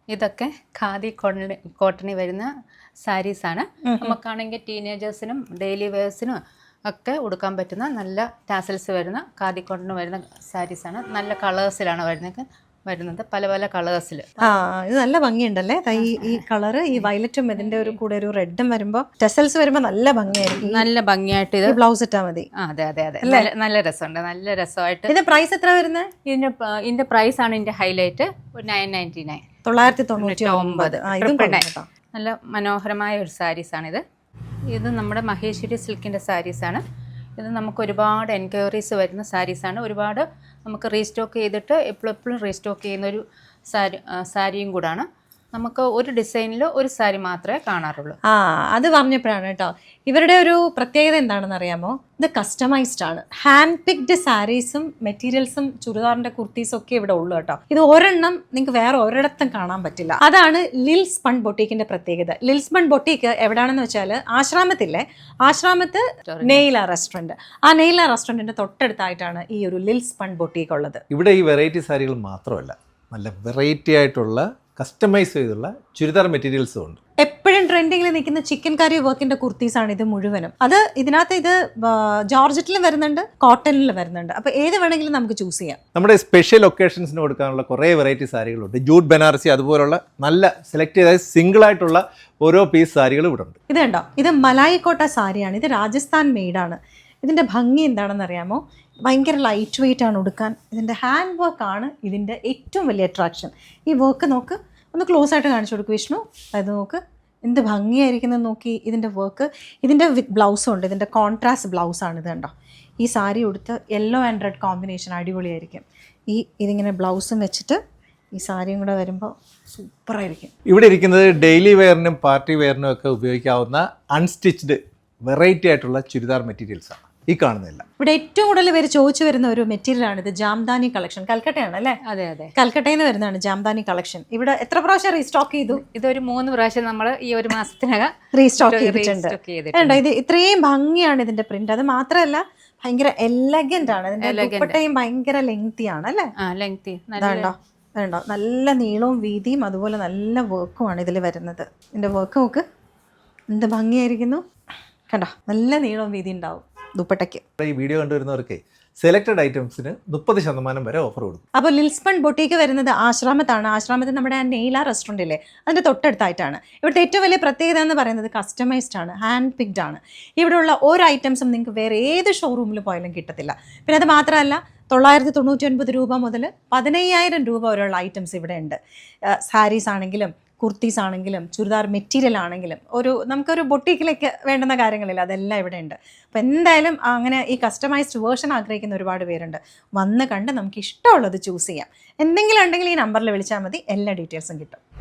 ഇതൊക്കെ ഖാദി കോട്ടണിൽ വരുന്ന സാരീസാണ്. നമുക്കാണെങ്കിൽ ടീനേജേഴ്സിനും ഡെയിലി വെയേഴ്സിനും ഒക്കെ ഉടുക്കാൻ പറ്റുന്ന നല്ല ടാസൽസ് വരുന്ന ഖാദി കോട്ടണിൽ വരുന്ന സാരീസാണ്. നല്ല കളേഴ്സിലാണ് വരുന്നത്, പല പല കളേഴ്സിൽ. ഇത് നല്ല ഭംഗിയുണ്ടല്ലേ, ഈ കളറ്, ഈ വയലറ്റും ഇതിന്റെ ഒരു കൂടെ ഒരു റെഡും വരുമ്പോൾ ടെസൽസ് വരുമ്പോൾ നല്ല ഭംഗിയായിരിക്കും. നല്ല ഭംഗിയായിട്ട് ഇത് ബ്ലൗസ് ഇട്ടാൽ മതി. അതെ അതെ അതെ, നല്ല രസമുണ്ട്, നല്ല രസമായിട്ട്. ഇതിന്റെ പ്രൈസ് എത്ര വരുന്നത്? ഇതിന്റെ പ്രൈസ് ആണ് ഇതിന്റെ ഹൈലൈറ്റ്, 999, 999. നല്ല മനോഹരമായ ഒരു സാരീസാണിത്. ഇത് നമ്മുടെ മഹേശ്വരി സിൽക്കിന്റെ സാരീസാണ്. ഇത് നമുക്ക് ഒരുപാട് എൻക്വയറീസ് വരുന്ന സാരീസാണ്. ഒരുപാട് നമുക്ക് റീസ്റ്റോക്ക് ചെയ്തിട്ട് എപ്പോഴും റീസ്റ്റോക്ക് ചെയ്യുന്ന ഒരു സാരിയും കൂടാണ്. നമുക്ക് ഒരു ഡിസൈനിൽ ഒരു സാരി മാത്രമേ കാണാറുള്ളൂ. അത് പറഞ്ഞപ്പോഴാണ് കേട്ടോ, ഇവരുടെ ഒരു പ്രത്യേകത എന്താണെന്ന് അറിയാമോ? ഇത് കസ്റ്റമൈസ്ഡ് ആണ്. ഹാൻഡ് പിക്ഡ് സാരീസും മെറ്റീരിയൽസും ചുരിദാറിന്റെ കുർത്തീസും ഒക്കെ ഇവിടെ ഉള്ളു കേട്ടോ. ഇത് ഒരെണ്ണം നിങ്ങൾക്ക് വേറെ ഒരിടത്തും കാണാൻ പറ്റില്ല. അതാണ് ലിൽസ്പൺ ബൊട്ടീക്കിന്റെ പ്രത്യേകത. ലിൽസ്പൺ ബൊട്ടീക്ക് എവിടെയാണെന്ന് വെച്ചാൽ ആശ്രാമത്ത് നെയ്ല റെസ്റ്റോറന്റ്. ആ നെയ്ല റെസ്റ്റോറന്റിന്റെ തൊട്ടടുത്തായിട്ടാണ് ഈ ഒരു ലിൽസ്പൺ ബൊട്ടീക്ക് ഉള്ളത്. ഇവിടെ ഈ വെറൈറ്റി സാരികൾ മാത്രമല്ല, നല്ല വെറൈറ്റി ആയിട്ടുള്ള കസ്റ്റമൈസ് ചെയ്തുള്ള ചുരിദാർ മെറ്റീരിയൽസും ഉണ്ട്. എപ്പോഴും ട്രെൻഡിങ്ങിൽ നിൽക്കുന്ന ചിക്കൻ കറി വർക്കിന്റെ കുർത്തീസാണ് ഇത് മുഴുവനും. ഇതിനകത്ത് ഇത് ജോർജറ്റിലും വരുന്നുണ്ട്, കോട്ടണിലും വരുന്നുണ്ട്. അപ്പോൾ ഏത് വേണമെങ്കിലും നമുക്ക് ചൂസ് ചെയ്യാം. നമ്മുടെ സ്പെഷ്യൽ ഒക്കേഷൻസിന് കൊടുക്കാനുള്ള കുറേ വെറൈറ്റി സാരികളുണ്ട്. ജൂട്ട് ബനാറസി അതുപോലുള്ള നല്ല സെലക്ട് ചെയ്ത സിംഗിൾ ആയിട്ടുള്ള ഓരോ പീസ് സാരികളും ഇവിടെ ഉണ്ട്. ഇത് കണ്ടോ, ഇത് മലായി കോട്ട സാരിയാണ്. ഇത് രാജസ്ഥാൻ മെയ്ഡാണ്. ഇതിന്റെ ഭംഗി എന്താണെന്ന് അറിയാമോ? ഭയങ്കര ലൈറ്റ് വെയിറ്റ് ആണ് ഉടുക്കാൻ. ഇതിൻ്റെ ഹാൻഡ് വർക്കാണ് ഇതിൻ്റെ ഏറ്റവും വലിയ അട്രാക്ഷൻ. ഈ വർക്ക് നോക്ക്, ഒന്ന് ക്ലോസ് ആയിട്ട് കാണിച്ചു കൊടുക്കും വിഷ്ണു. അത് നോക്ക്, എന്ത് ഭംഗിയായിരിക്കുന്നത് നോക്കി. ഇതിൻ്റെ വർക്ക്, ഇതിൻ്റെ വിത്ത് ബ്ലൗസും ഉണ്ട്. ഇതിൻ്റെ കോൺട്രാസ്റ്റ് ബ്ലൗസാണ് ഇത് കണ്ടോ. ഈ സാരി ഉടുത്ത് യെല്ലോ ആൻഡ് റെഡ് കോമ്പിനേഷൻ അടിപൊളിയായിരിക്കും. ഇതിങ്ങനെ ബ്ലൗസും വെച്ചിട്ട് ഈ സാരിയും കൂടെ വരുമ്പോൾ സൂപ്പറായിരിക്കും. ഇവിടെ ഇരിക്കുന്നത് ഡെയിലി വെയറിനും പാർട്ടി വെയറിനും ഒക്കെ ഉപയോഗിക്കാവുന്ന അൺസ്റ്റിച്ച്ഡ് വെറൈറ്റി ആയിട്ടുള്ള ചുരിദാർ മെറ്റീരിയൽസാണ് ഈ കാണുന്നില്ല. ഇവിടെ ഏറ്റവും കൂടുതൽ പേര് ചോദിച്ചു വരുന്ന ഒരു മെറ്റീരിയലാണ് ഇത്. ജാംദാനി കളക്ഷൻ, കൽക്കട്ടയാണ് അല്ലേ? അതെ അതെ, കൽക്കട്ടയിൽ നിന്ന് വരുന്നതാണ് ജാംദാനി കളക്ഷൻ. ഇവിടെ എത്ര പ്രാവശ്യം റീസ്റ്റോക്ക് ചെയ്തു? ഇതൊരു 3 പ്രാവശ്യം നമ്മൾ ഈ ഒരു മാസത്തിനകം റീസ്റ്റോക്ക് ചെയ്തിട്ടുണ്ട്. ഇത് ഇത്രയും ഭംഗിയാണ് ഇതിന്റെ പ്രിന്റ്. അത് മാത്രമല്ല ഭയങ്കര എലഗന്റ് ആണ്. ഇതിന്റെ ദുപ്പട്ടയും ഭയങ്കര ലെങ്തി ആണ് അല്ലേ? വേണ്ടോ, നല്ല നീളവും വീതിയും അതുപോലെ നല്ല വർക്കുമാണ് ഇതിൽ വരുന്നത്. ഇതിന്റെ വർക്ക് നോക്ക്, എന്ത് ഭംഗിയായിരിക്കുന്നു കണ്ടോ. നല്ല നീളവും വീതി ഉണ്ടാവും ദുപ്പട്ടയ്ക്ക്. ഈ വീഡിയോ കണ്ടുവരുന്നവർക്ക് സെലക്ടഡ് ഐറ്റംസിന് 30% വരെ ഓഫർ കൊടുക്കും. അപ്പോൾ ലിൽസ്പൺ ബൊട്ടീക്ക് വരുന്നത് ആശ്രാമത്താണ്. ആശ്രാമത്തിൽ നമ്മുടെ നെയ്ല റെസ്റ്റോറൻ്റ് ഇല്ലേ, അതിൻ്റെ തൊട്ടടുത്തായിട്ടാണ്. ഇവിടുത്തെ ഏറ്റവും വലിയ പ്രത്യേകത എന്ന് പറയുന്നത് കസ്റ്റമൈസ്ഡ് ആണ്, ഹാൻഡ് പിക്ഡ് ആണ്. ഇവിടെയുള്ള ഓരോ ഐറ്റംസും നിങ്ങൾക്ക് വേറെ ഏത് ഷോറൂമിൽ പോയാലും കിട്ടത്തില്ല. പിന്നെ അത് മാത്രമല്ല, 999 രൂപ മുതൽ 15,000 രൂപ വരെയുള്ള ഐറ്റംസ് ഇവിടെ ഉണ്ട്. സാരീസ് ആണെങ്കിലും കുർത്തീസ് ആണെങ്കിലും ചുരിദാർ മെറ്റീരിയൽ ആണെങ്കിലും നമുക്കൊരു ബൊട്ടീക്കിലേക്ക് വേണ്ടുന്ന കാര്യങ്ങളില്ല, അതെല്ലാം ഇവിടെ ഉണ്ട്. അപ്പോൾ എന്തായാലും അങ്ങനെ ഈ കസ്റ്റമൈസ്ഡ് വേർഷൻ ആഗ്രഹിക്കുന്ന ഒരുപാട് പേരുണ്ട്. വന്ന് കണ്ട് നമുക്ക് ഇഷ്ടമുള്ളത് ചൂസ് ചെയ്യാം. എന്തെങ്കിലും ഉണ്ടെങ്കിൽ ഈ നമ്പറിൽ വിളിച്ചാൽ മതി, എല്ലാ ഡീറ്റെയിൽസും കിട്ടും.